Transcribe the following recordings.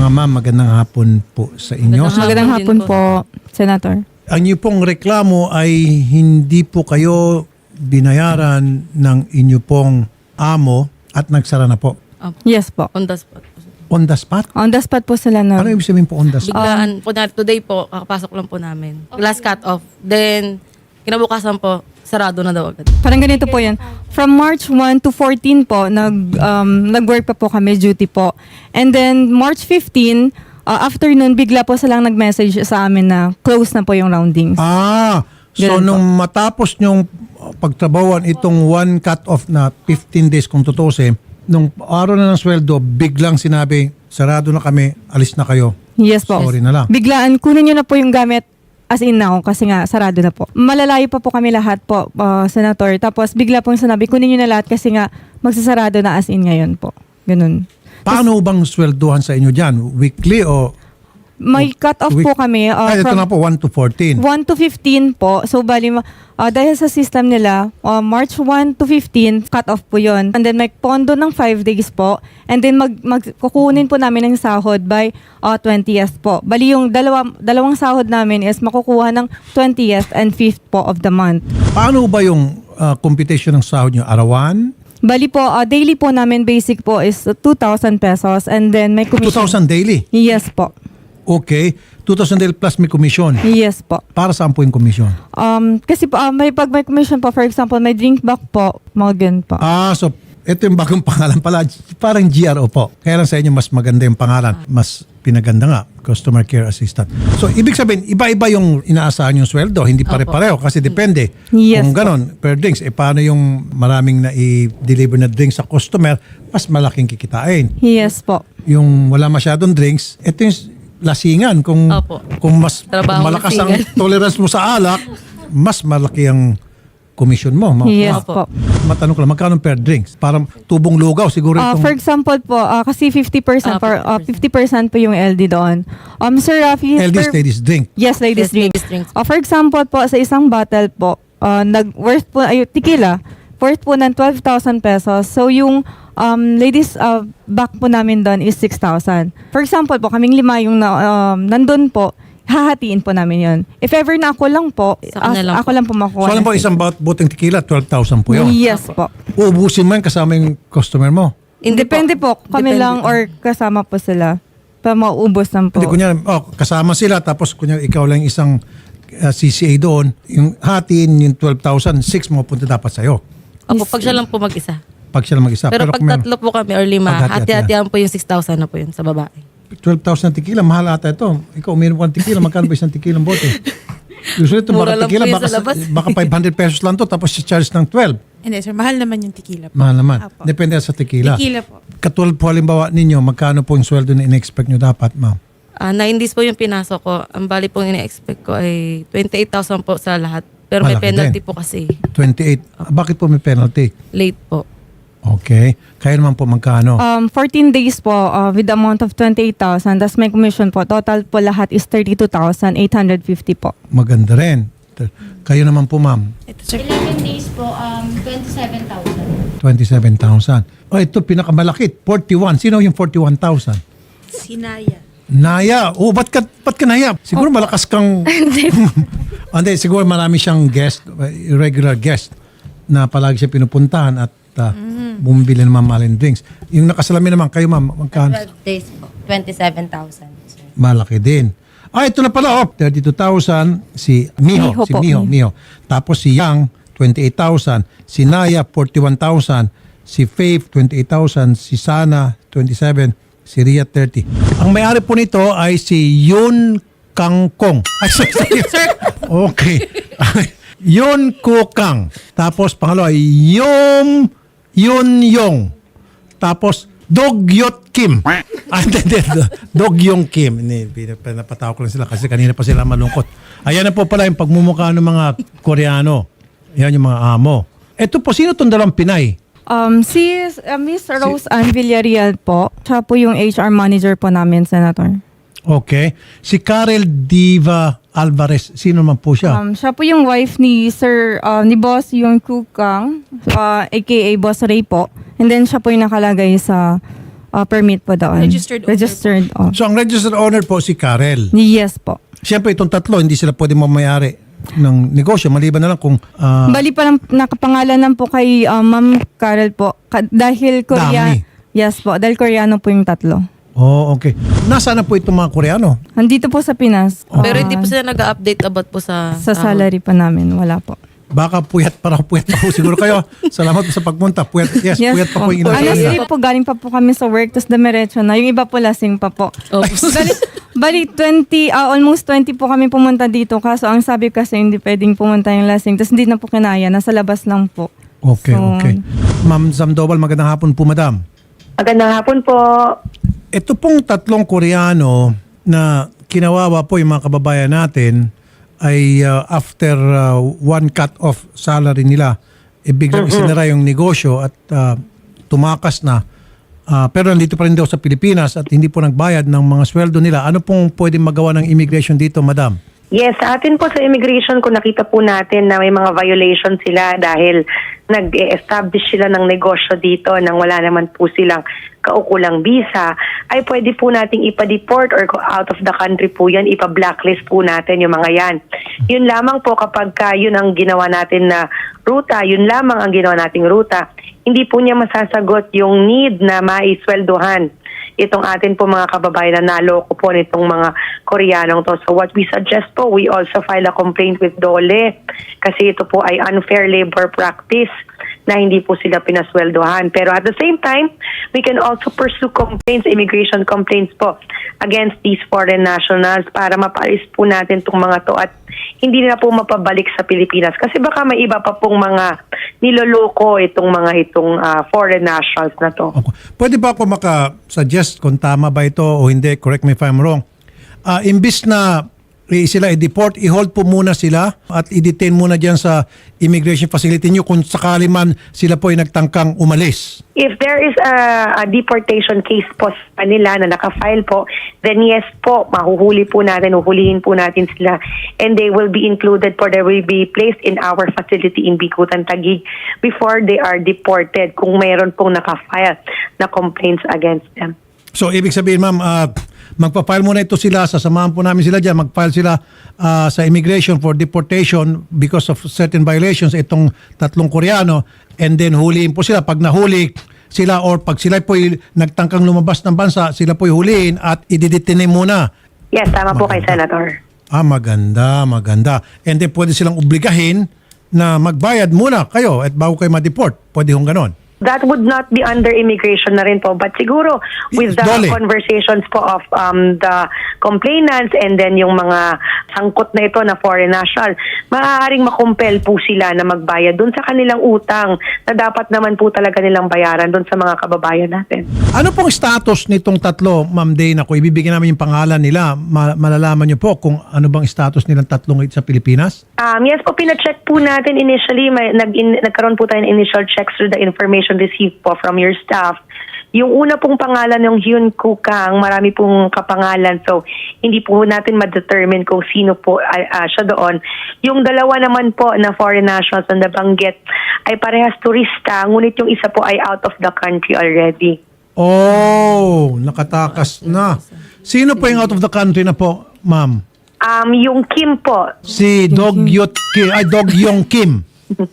Ma'am, magandang hapon po sa inyo. Magandang hapon po, Senator. Ang inyo pong reklamo ay hindi po kayo binayaran ng inyo pong amo at nagsara na po. Yes po. On the spot. On the spot? On the spot po sila na. Ano ibig sabihin po on the spot? Biglaan po today po, kakapasok lang po namin. Last cut off. Then, kinabukasan po, sarado na daw agad. Parang ganito po yan. From March 1 to 14 po, nag-work pa po kami, duty po. And then, March 15, afternoon, bigla po silang nag-message sa amin na close na po yung roundings. So Ganun po. nung matapos nyong pagtrabawan itong one cut-off na 15 days kung tutusin, nung araw na ng sweldo, biglang sinabi, sarado na kami, alis na kayo. Yes po. Sorry na lang. Biglaan, kunin nyo na po yung gamit as in now kasi nga sarado na po. Malalayo pa po kami lahat po, Senator. Tapos bigla pong sinabi, kunin nyo na lahat kasi nga magsasarado na as in ngayon po. Ganun. Paano bang sweldohan sa inyo dyan? Weekly o... May cut-off po kami ito from na po, 1 to 14. 1 to 15 po. So, bali, dahil sa system nila, March 1 to 15, cut-off po yon. And then, may pondo ng 5 days po. And then, kukunin po namin ng sahod by 20th po. Bali, yung dalawang sahod namin is makukuha ng 20th and 5th po of the month. Paano ba yung computation ng sahod nyo? Arawan? Bali po, daily po namin basic po is 2,000 pesos. And then, may commission. 2,000 daily? Yes po. Okay. 2,000 daily plus may commission. Yes po. Para saan po yung commission? Kasi po, pag may commission po, for example, may drink back po, mga ganun po. So ito yung bagong pangalan pala. Parang GRO po. Kaya lang sa inyo mas maganda yung pangalan. Mas pinaganda nga. Customer Care Assistant. So ibig sabihin, iba-iba yung inaasahan yung sweldo. Hindi pare-pareho kasi depende. Yes Kung po. ganon, per drinks. Paano yung maraming na i-deliver na drinks sa customer, mas malaking kikitain. Yes po. Yung wala masyadong drinks, ito yung lasingan. Kung mas Trabaho malakas ang lasingan. tolerance mo sa alak, mas malaki ang commission mo. Yes po. Matanong ko lang, magkano per drinks? Parang tubong lugaw siguro itong... For example po, kasi 50% 50% po yung LD doon. Sir Rafi, LD's ladies drink. yes, ladies Yes, drink. ladies drinks. For example po, sa isang bottle po, worth po, tequila, worth po ng 12,000 pesos. So yung ladies back po namin doon is 6,000. For example po, kaming 5 yung nandun po, hahatiin po namin yon. If ever na ako lang po, Sa kanila lang ako lang po makuha. So alam po, isang boteng tequila, 12,000 po yun. Yes po. Uubusin mo yan kasama yung customer mo. Depende po, kami Depende lang po. or kasama po sila. Pa maubos lang po. Hindi, kunyari, kasama sila, tapos kunyari ikaw lang isang CCA doon, yung hatiin, yung 12,000, 6 mo punta dapat sa'yo. Opo, pag siya lang po mag-isa. Pag siya lang mag-isa. Pero pag kung meron- tatlo po kami or 5, Paghati-hatian. hati-hatian po yung 6,000 na po yun sa babae. 12,000 tequila, mahal ata ito. Ikaw, uminom ka ng tequila, magkano ba isang tequila bote? Usually ito, Mura baka lang tequila, po yun sa labas. baka 500 pesos lang to tapos si-charge ng 12. Hindi sir, mahal naman yung tequila po. Mahal naman. Apo. Depende sa tequila. Tequila po. Katulad po halimbawa ninyo, magkano po yung sweldo na in-expect nyo dapat, ma'am? 9 days po yung pinasok ko. Ang bali pong ina-expect ko ay 28,000 po sa lahat. Pero may Malaki penalty din. po kasi. 28. Bakit po may penalty? Late po. Okay. Kaya naman po magkano? 14 days po with the amount of 28,000. That's my commission po. Total po lahat is 32,850 po. Maganda rin. Kayo naman po, ma'am, Ito sir. 11 days po, 27,000. 27,000. Ito pinakamalaki, 41. Sino yung 41,000? Sinaya. Naya. Ba't ka naya? Siguro malakas kang... Hindi, siguro marami siyang guest, regular guest na palagi siya pinupuntahan at bumibili ng mamahaling drinks. Yung nakasalamin naman, kayo ma'am, magkano? 12 days po, 27,000. Malaki din. Ito na pala, 32,000 si Miho. Miho Si po. Miho. Tapos si Yang, 28,000. Si Naya, 41,000. Si Faith, 28,000. Si Sana, 27,000. Si Ria, 30. Ang may-ari po nito ay si Yun Kangkong. Ay, sorry. Okay. Yun Kukang. Tapos pangalawa, Yun Yong. Tapos Dogyot Kim. Dog Yong Kim. Napatawa ko lang sila kasi kanina pa sila malungkot. Ayan na po pala yung pagmumukha ng mga Koreano. Yan yung mga amo. Ito po, sino itong dalawang Pinay? Si Miss Rose Ann Villarreal po. Siya po yung HR manager po namin, Senator. Okay. Si Karel Diva Alvarez, sino man po siya? Siya po yung wife ni ni Boss Yung Kukang, aka Boss Ray po. And then siya po yung nakalagay sa permit po doon. Registered owner Registered, oh. So, ang registered owner po si Karel. Yes po. Siyempre, itong tatlo, hindi sila pwede mamayari ng negosyo. Maliban na lang kung Bali pa lang nakapangalan po kay Ma'am Carol po. Dahil Korea. Dami. Yes po, dahil Koreano po yung tatlo. oh, okay. Nasaan na po itong mga Koreano? Nandito po sa Pinas. Pero hindi po sila nag-update about po sa Sa sahod. salary pa namin, wala po. Baka puyat pa po siguro kayo. Salamat po sa pagpunta. Puyat, puyat pa po yung inasabi Honestly niya. po, galing pa po kami sa work, tapos damiretso na. Yung iba po lasing pa po. Opo. Bali 20, almost 20 po kami pumunta dito. Kaso ang sabi kasi hindi pwedeng pumunta yung lasing. Tapos hindi na po kinaya, nasa labas lang po. Okay, So, okay. Ma'am Zamdobal, magandang hapon po, madam. Magandang hapon po. Ito pong tatlong Koreano na kinawawa po yung mga kababayan natin ay after one cut off salary nila, biglang isinara yung negosyo at tumakas na. Pero nandito pa rin daw sa Pilipinas at hindi po nagbayad ng mga sweldo nila. Ano pong pwedeng magawa ng immigration dito, madam? Yes, sa atin po sa immigration, kung nakita po natin na may mga violations sila dahil nag-establish sila ng negosyo dito nang wala naman po silang kaukulang visa, ay pwede po nating ipa-deport or out of the country po yan, ipa-blacklist po natin yung mga yan. Yun lamang po kapag yun ang ginawa natin na ruta, yun lamang ang ginawa nating ruta, hindi po niya masasagot yung need na maisweldohan itong atin po mga kababayan na naloko po nitong mga Koreanong to. So what we suggest po, we also file a complaint with DOLE kasi ito po ay unfair labor practice na hindi po sila pinasweldohan. Pero at the same time, we can also pursue complaints, immigration complaints po against these foreign nationals para mapaalis po natin itong mga to at hindi na po mapabalik sa Pilipinas. Kasi baka may iba pa pong mga niloloko itong foreign nationals na to. Okay. Pwede ba ako maka-suggest kung tama ba ito o hindi? Correct me if I'm wrong. Imbis na sila i-deport, i-hold po muna sila at i-detain muna dyan sa immigration facility nyo kung sakali man sila po ay nagtangkang umalis. If there is a deportation case po sa kanila na nakafile po, then yes po, mahuhuli po natin, uhulihin po natin sila and they will be included they will be placed in our facility in Bikutan, Taguig before they are deported kung mayroon pong nakafile na complaints against them. So, ibig sabihin, ma'am, magpa-file muna ito sila, sasamahan po namin sila dyan, mag-file sila sa immigration for deportation because of certain violations itong tatlong Koreano and then huliin po sila. Pag nahuli sila or pag sila po nagtangkang lumabas ng bansa, sila po huliin at ididetine muna. Yes, tama po kay Senator. Maganda, maganda. And then pwede silang obligahin na magbayad muna kayo at bago kayo ma-deport. Pwede hong ganon. That would not be under immigration na rin po. But siguro with the Dole. conversations po of the complainants and then yung mga sangkot na ito na foreign national, maaaring makumpel po sila na magbayad dun sa kanilang utang na dapat naman po talaga nilang bayaran dun sa mga kababayan natin. Ano pong status nitong tatlo, Ma'am Dana? Kung ibibigyan namin yung pangalan nila, malalaman niyo po kung ano bang status nilang tatlong sa Pilipinas? Yes po, pina-check po natin initially. Nagkaroon po tayo ng initial checks through the information received po from your staff. Yung una pong pangalan ng Hyun Kukang, marami pong kapangalan. So, hindi po natin ma-determine kung sino po siya doon. Yung dalawa naman po na foreign nationals na nabanggit ay parehas turista, ngunit yung isa po ay out of the country already. Oh, nakatakas na. Sino po yung out of the country na po, ma'am? Yung Kim po. Si Dog Yong Kim.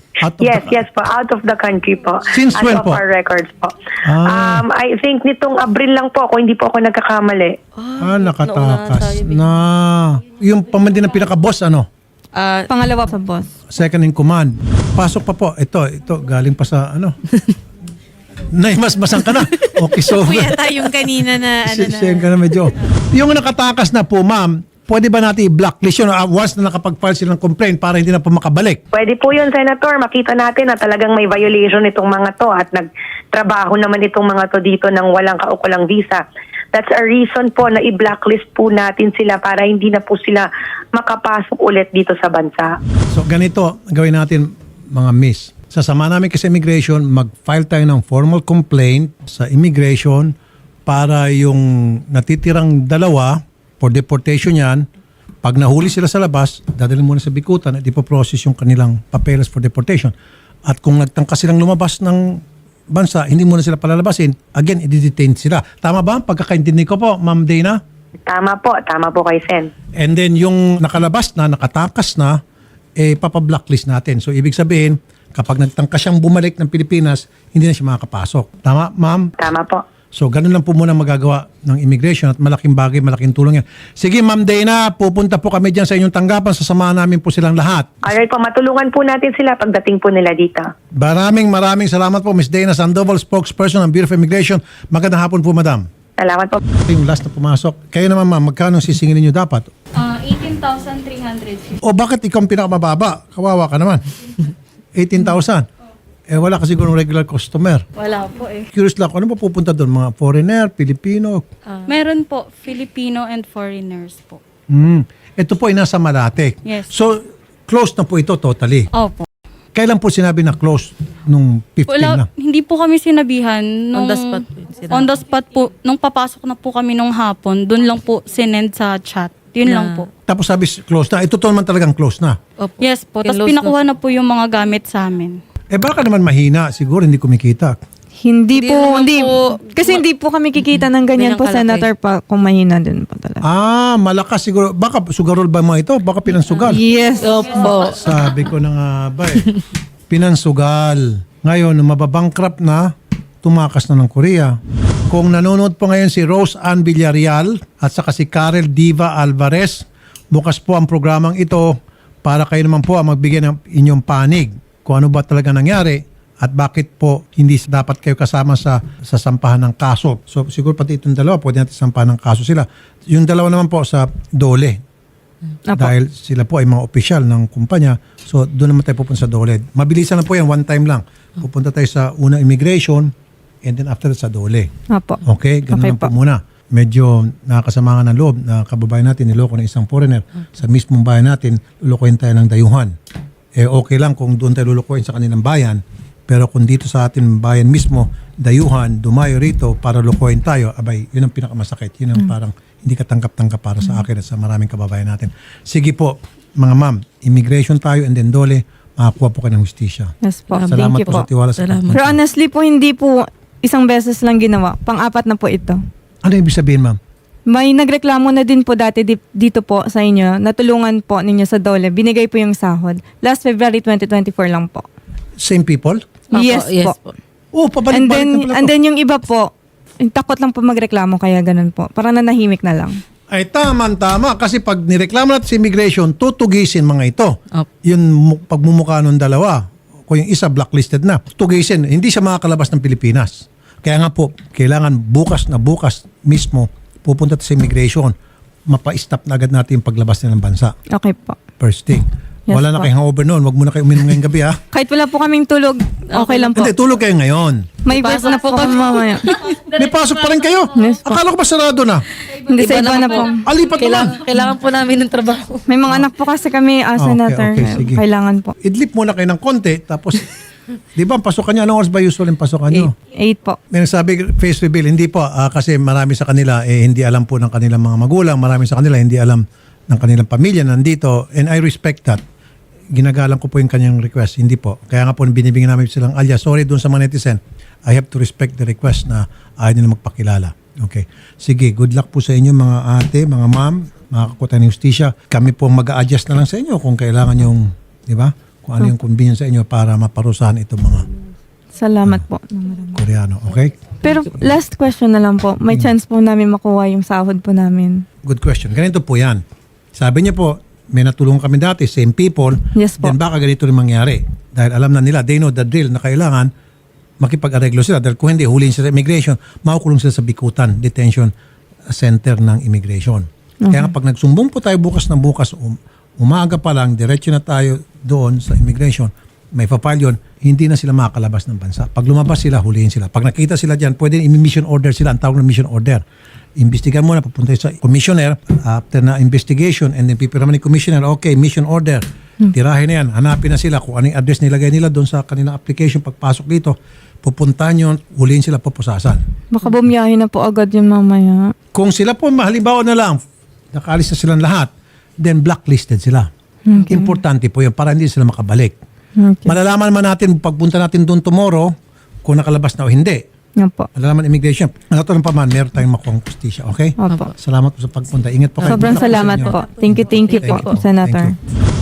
Yes po, out of the country po. Since As when of po? our records po. Ah. I think nitong Abril lang po ako, hindi po ako nagkakamali. Nakatakas na. Yung pamandin ng pinaka-boss, ano? Pangalawa sa boss. Second in command. Pasok pa po. Ito, galing pa sa, ano? Naimasmasan ka na. Okay, so... Kuya tayong kanina na Siyan ka na medyo. Yung nakatakas na po, ma'am, pwede ba natin i-blacklist yun once na nakapag-file sila ng complaint para hindi na po makabalik? Pwede po yun, Senator. Makita natin na talagang may violation itong mga to at nagtrabaho naman itong mga to dito ng walang kaukulang visa. That's a reason po na i-blacklist po natin sila para hindi na po sila makapasok ulit dito sa bansa. So ganito, gawin natin mga miss. Sasama namin kasi immigration, mag-file tayo ng formal complaint sa immigration para yung natitirang dalawa for deportation yan, pag nahuli sila sa labas, dadalhin muna sa Bikutan at ipoprocess yung kanilang papeles for deportation. At kung nagtangka silang lumabas ng bansa, hindi muna sila palalabasin. Again, i-detain sila. Tama ba? Pagkakaintindi ko po, Ma'am Dana? Tama po kay Sen. And then yung nakalabas na, nakatakas na, papablacklist natin. So ibig sabihin, kapag nagtangka siyang bumalik ng Pilipinas, hindi na siya makakapasok. Tama, ma'am? Tama po. So ganun lang po muna magagawa ng immigration at malaking bagay, malaking tulong yan. Sige, Ma'am Dana, pupunta po kami dyan sa inyong tanggapan. Sasamahan namin po silang lahat. Alright po, matulungan po natin sila pagdating po nila dito. Maraming salamat po, Ms. Dana Sandoval, spokesperson ng Bureau of Immigration. Magandang hapon po, Madam. Salamat po. Yung last na pumasok. Kayo naman, ma'am, magkano sisingilin nyo dapat? 18,350. O bakit ikaw ang pinakamababa? Kawawa ka naman. 18,000. Wala ka siguro regular customer. Wala po eh. Curious lang, ano ba pupunta doon? Mga foreigner, Pilipino? Meron po, Filipino and foreigners po. Ito po ay nasa Malate. Yes. So, closed na po ito totally. Opo. Kailan po sinabi na closed? Nung 15 na? Hindi po kami sinabihan. Nung, On the spot po yun sinabi. On the spot po. Nung papasok na po kami nung hapon, dun lang po sinend sa chat. Yun lang po. Tapos sabi closed na. Ito to naman talagang closed na. Opo. Yes po. Tapos Kinlose pinakuha na po yung mga gamit sa amin. Baka naman mahina. Siguro hindi kumikita. Hindi po, naman hindi. po- Kasi hindi po kami kikita ng ganyan Ganyan po, kalaki. Senator, pa kung mahina din po talaga. Malakas siguro. Baka sugarol ba mga ito? Baka pinansugal. Yes. Opo. Sabi ko na nga ba pinansugal. Ngayon, nung mababankrupt na, tumakas na ng Korea. Kung nanonood po ngayon si Rose Ann Villarreal at saka si Karel Diva Alvarez, bukas po ang programang ito para kayo naman po ang magbigay ng inyong panig. Kung ano ba talaga nangyari at bakit po hindi dapat kayo kasama sa sampahan ng kaso. So siguro pati itong dalawa, pwede natin sampahan ng kaso sila. Yung dalawa naman po sa DOLE. Apo. Dahil sila po ay mga opisyal ng kumpanya. So doon naman tayo pupunta sa DOLE. Mabilisan na po yan, one time lang. Pupunta tayo sa unang immigration and then after that sa DOLE. Apo. Okay? Ganun Okay lang po po. muna. Medyo nakakasama ng loob na kababayan natin niloko ng isang foreigner. Sa mismong bayan natin, lulukoyin tayo ng dayuhan. Okay lang kung doon tayo lulukoyin sa kanilang bayan. Pero kung dito sa ating bayan mismo, dayuhan, dumayo rito para lukoyin tayo, abay, yun ang pinakamasakit. Yun ang parang hindi katanggap-tanggap para sa akin at sa maraming kababayan natin. Sige po, mga ma'am, immigration tayo and then DOLE, makakuha po kayo ng hustisya. Yes po. Salamat Thank you po sa tiwala sa Salamat. Pero honestly po, hindi po isang beses lang ginawa. Pang-apat na po ito. Ano ibig sabihin, ma'am? May nagreklamo na din po dati dito po sa inyo. Natulungan po ninyo sa DOLE. Binigay po yung sahod. Last February 2024 lang po. Same people? Opo, Yes po. Pabalik-balik na pala And to. then yung iba po, takot lang po magreklamo kaya ganun po. Parang nanahimik na lang. Ay tama. Kasi pag nireklamo natin sa immigration, tutugisin mga ito. Opo. Yung pagmumukha ng dalawa, kung yung isa blacklisted na, tugisin. Hindi siya makakalabas ng Pilipinas. Kaya nga po, kailangan bukas mismo, pupunta sa immigration, mapa-stop na agad natin yung paglabas nila ng bansa. Okay po. First thing. Yes Wala na po. kayong hangover noon. Wag muna kayo uminom ngayong gabi ha. Kahit wala po kaming tulog, okay lang po. Hindi, tulog kayo ngayon. May verse na po kami mamaya. May pasok pa rin kayo. Yes po. Akala ko ba sarado na? Hindi sa iba na po. Alipat naman. Kailangan po namin ng trabaho. May mga anak po kasi kami, Senator. okay, sige. Kailangan po. Idlip muna kayo ng konti. Tapos, di ba, ang pasokan nyo, anong oras ba usual yung pasokan nyo? 8 po. May nagsabi, face reveal, hindi po. Kasi marami sa kanila, hindi alam po ng kanilang mga magulang. Marami sa kanila, hindi alam ng kanilang pamilya nandito. And I respect that. Ginagalang ko po yung kanyang request. Hindi po. Kaya nga po, binibigyan namin silang alias. Sorry dun sa mga netizen. I have to respect the request na ayaw nila magpakilala. Okay. Sige, good luck po sa inyo mga ate, mga ma'am, mga kakutan ng justisya. Kami po mag-a-adjust na lang sa inyo kung kailangan yung, di ba? Kung ano yung convenience sa inyo para maparusahan itong mga Salamat po. Koreano. Okay? Pero last question na lang po. May chance po namin makuha yung sahod po namin. Good question. Ganito po yan. Sabi niya po, may natulungan kami dati, same people, Yes po. then baka ganito rin mangyari. Dahil alam na nila, they know the drill na kailangan makipag-areglo sila. Dahil kung hindi, huliin sila sa immigration, makukulong sila sa Bikutan Detention Center ng Immigration. Kaya nga pag nagsumbong po tayo bukas ng bukas, umaga pa lang, diretso na tayo doon sa immigration, may papile yun, hindi na sila makakalabas ng bansa. Pag lumabas sila, huliin sila. Pag nakita sila dyan, pwede i-mission order sila. Ang tawag na mission order. Imbestigan muna, papunta sa commissioner. After na investigation, and then pipirama ni commissioner, okay, mission order. Tirahin na yan. Hanapin na sila kung anong address nilagay nila doon sa kanilang application. Pagpasok dito, pupuntahan yun, huliin sila, pupusasan. Baka bumiyahin na po agad yung mamaya. Kung sila po, halimbawa na lang, nakaalis na silang lahat, then blacklisted sila. Importante po yun para hindi sila makabalik. Okay. Malalaman man natin, pagpunta natin doon tomorrow, kung nakalabas na o hindi. Opo. Malalaman immigration. Nagkataon pa man, meron tayong makuha justisya. Okay? Opo. Salamat po sa pagpunta. Ingat po kayo. Sobrang Good luck po sa salamat inyo. po. Thank you po, Thank you. Senator. Thank you.